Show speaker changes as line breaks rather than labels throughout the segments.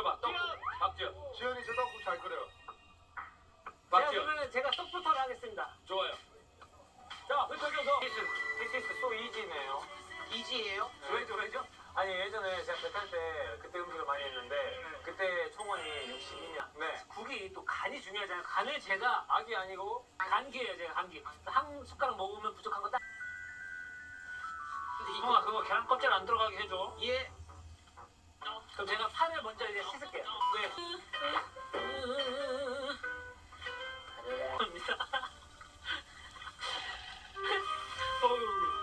끓여봐. 떡국. 박지현.
지현이 저 떡국 잘 끓여요.
박지현.
그러면 제가 떡부터 하겠습니다.
좋아요. 자, 흩어져서.
This is so easy네요.
이지예요?
왜죠? 아니 예전에 제가 배 탈 때 그때 음식을 많이 했는데 그때 총원이 62년.
네.
국이 또 간이 중요하잖아요. 간을 제가
악이 아니고.
간기예요, 제가 간기. 한 숟가락 먹으면 부족한 거 딱.
근데
형아 그거 계란 껍질 안 들어가게 해줘.
예.
그럼 제가 파를 먼저 이제 씻을게요.
네.
어휴.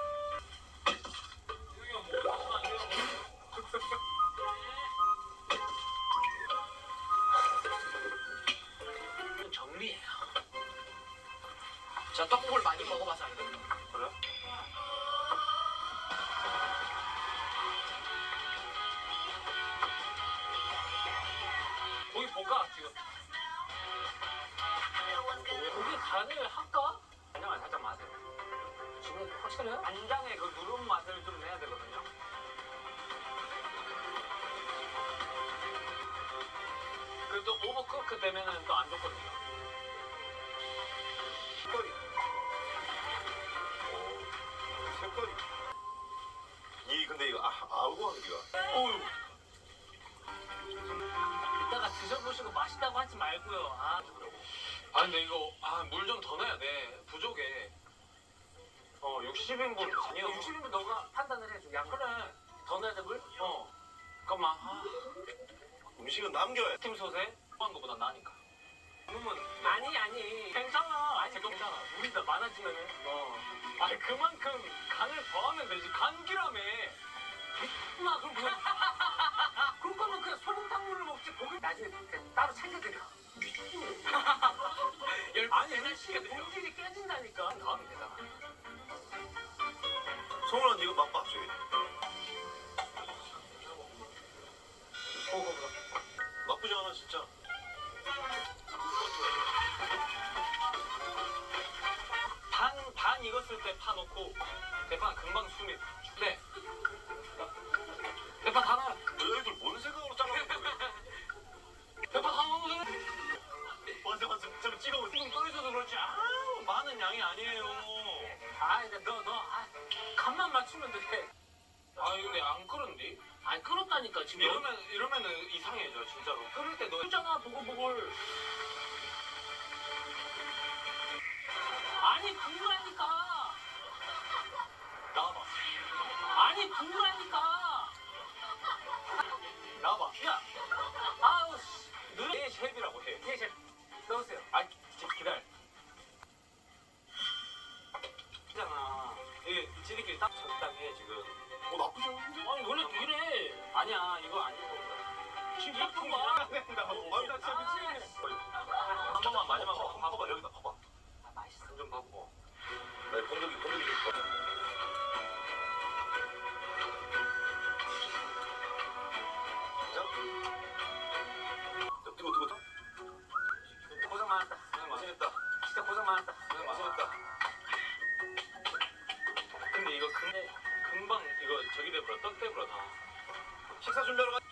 정리해요.
저 떡국을 많이 먹어봐서 알거든요.
그래? 고기 볶아, 지금.
고기 간을 할까? 간장을 살짝 마세요. 지금 확실해요? 간장의 그 누른 맛을 좀 내야 되거든요. 그또 오버쿠크 되면은 또 안 좋거든요.
색깔이. 색깔이. 근데 이거 아우고 하는 기가.
어휴.
이따가 드셔보시고 맛있다고 하지 말고요.
아, 근데 이거, 물 좀 더 넣어야 돼. 부족해. 60인분 아니야.
60인분 너가 판단을 해줘. 양 그래. 더 넣어야 돼 물?
잠깐만.
음식은 남겨야 돼.
팀솥에 한 거보다 나으니까. 그러면,
아니. 괜찮아. 아니 괜찮아. 물이 더 많아지면은.
아니, 그만큼 간을 더하면 되지. 간기라며.
엄마 그럼 뭐? 그럴 거면 그냥 소금탕물을 먹지. 고기 나중에 그냥 따로 챙겨드려. 아니 일시에 본질이 깨진다니까.
다음이 되잖아.
성훈아 이거 맛봐 저기. 나쁘지 않아 진짜.
반 익었을 때 파 넣고 대파 금방 숨이. 네. 대파 다 넣어.
너희들 뭔 생각으로 잘라놓은 거야?
대파 다 넣어도 돼.
맞아. 좀 찍어보세요.
지금 떠있어서 그렇지. 많은 양이 아니에요.
이제 너 간만 맞추면 돼.
근데 안 끓은디?
아니 끓었다니까 지금.
이러면은 이상해져 진짜로. 끓을 때 너.
끓잖아 보글보글. 아니 국물하니까.
나와봐.
아니 국물하니까.
나와봐.
야. 아우 씨.
내 셰프라고 해.
예 셰프. 넣으세요.
기다려. 있잖아. 이게 지들끼리 딱 적당히 해 지금.
나쁘지 않은데?
아니 원래 이래.
아니야 이거 아니고.
지금 예쁜 거야.
나 진짜 미치겠네.
한 번만 마지막으로
봐봐 여기다 봐봐.
맛있어.
좀 바꾸고.
나 건더기 좀 봐. 뜨거.
고생 많았다.
고생했다.
진짜 고생 많았다.
고생했다.
근데 이거 금방 이거 저기 돼버려 떡 돼버려 다.
식사 준비하러 가.